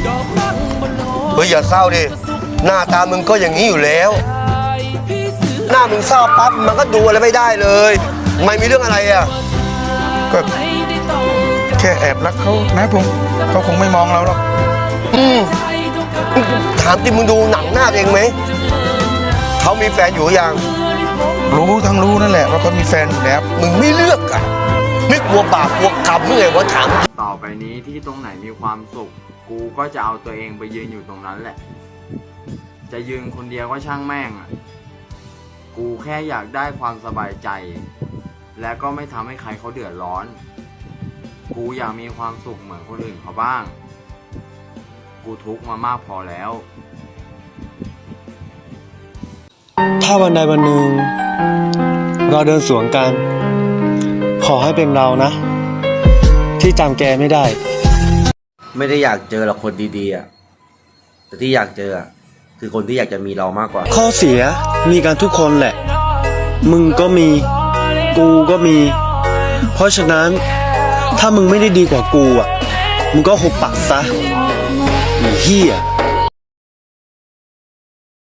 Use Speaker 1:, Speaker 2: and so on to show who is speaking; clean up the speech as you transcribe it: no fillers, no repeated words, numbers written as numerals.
Speaker 1: เฮ้ยอย่าเศร้าดิหน้าตามึงก็อย่างนี้อยู่แล้วหน้ามึงเศร้าปั๊บมันก็ดูอะไรไม่ได้เลยไม่มีเรื่องอะไรอ่ะ
Speaker 2: ก็แค่แอบรักเขานะผมเขาคงไม่มองเราหรอก
Speaker 1: ถามจริงมึงดูหนังหน้าเองไหมเขามีแฟนอยู่ยัง
Speaker 2: รู้ทั้งรู้นั่นแหละว่าเขามีแฟนอยู่แล้ว
Speaker 1: มึงไม่เลือกอ่ะไม่กลัวบาปกลัวกรรมเมื่อไงวะถาม
Speaker 3: ต่อไปนี้ที่ตรงไหนมีความสุขกูก็จะเอาตัวเองไปยืนอยู่ตรงนั้นแหละจะยืนคนเดียวก็ช่างแม่งอ่ะกูแค่อยากได้ความสบายใจและก็ไม่ทำให้ใครเขาเดือดร้อนกูอยากมีความสุขเหมือนคนอื่นเขาบ้างกูทุกข์มามากพอแล้ว
Speaker 4: ถ้าวันใดวันหนึ่งเราเดินสวนกันขอให้เป็นเรานะที่จำแกไม่ได้
Speaker 1: ไม่ได้อยากเจอหรอกคนดีๆอ่ะแต่ที่อยากเจอคือคนที่อยากจะมีเรามากกว่า
Speaker 4: ข้อเสียมีกันทุกคนแหละมึงก็มีกูก็มีเพราะฉะนั้นถ้ามึงไม่ได้ดีกว่ากูอ่ะมึงก็หุบปากซะไอ้เหี้ย